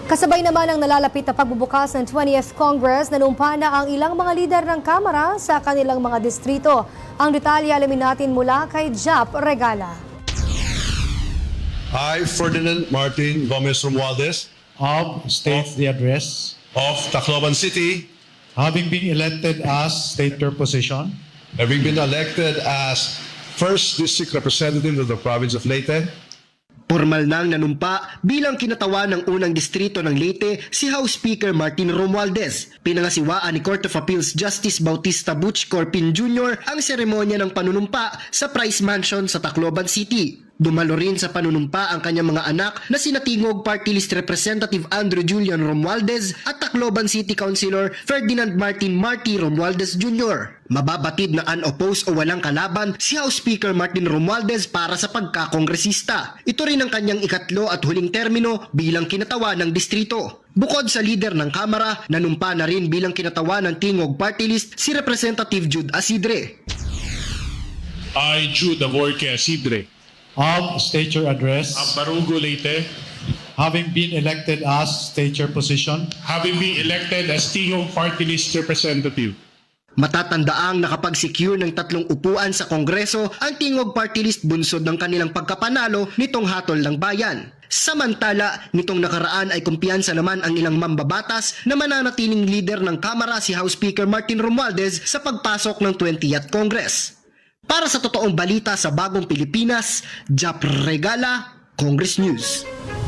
Kasabay naman ang nalalapit na pagbubukas ng 20th Congress, nanumpa na ang ilang mga lider ng Kamara sa kanilang mga distrito. Ang detalye alamin natin mula kay Jap Regala. I, Ferdinand Martin Gomez Romualdez state the address, of Tacloban City, having been elected as state your position, having been elected as First District Representative of the province of Leyte, Pormal nang nanumpa bilang kinatawa ng unang distrito ng Leyte si House Speaker Martin Romualdez. Pinangasiwaan ni Court of Appeals Justice Bautista Butch Corpin Jr. ang seremonya ng panunumpa sa Price Mansion sa Tacloban City. Dumalo rin sa panunumpa ang kanyang mga anak na sina Tingog Party List Representative Andrew Julian Romualdez at Tacloban City Councilor Ferdinand Martin Marty Romualdez Jr. Mababatid na unopposed o walang kalaban si House Speaker Martin Romualdez para sa pagkakongresista. Ito rin ang kanyang ikatlo at huling termino bilang kinatawa ng distrito. Bukod sa lider ng Kamara, nanumpa na rin bilang kinatawa ng Tingog Party List si Representative Jude Asidre. I, Jude Avorque Asidre, state your address, of Barugo, Leyte, having been elected as state your position, having been elected as Tingog Party List Representative. Matatandaang nakapag-secure ng 3 upuan sa Kongreso ang Tingog Party List bunsod ng kanilang pagkapanalo nitong hatol ng bayan. Samantala, nitong nakaraan ay kumpiyansa naman ang ilang mambabatas na mananatiling leader ng Kamara si House Speaker Martin Romualdez sa pagpasok ng 20th Congress. Para sa totoong balita sa Bagong Pilipinas, Jap Regala, Congress News.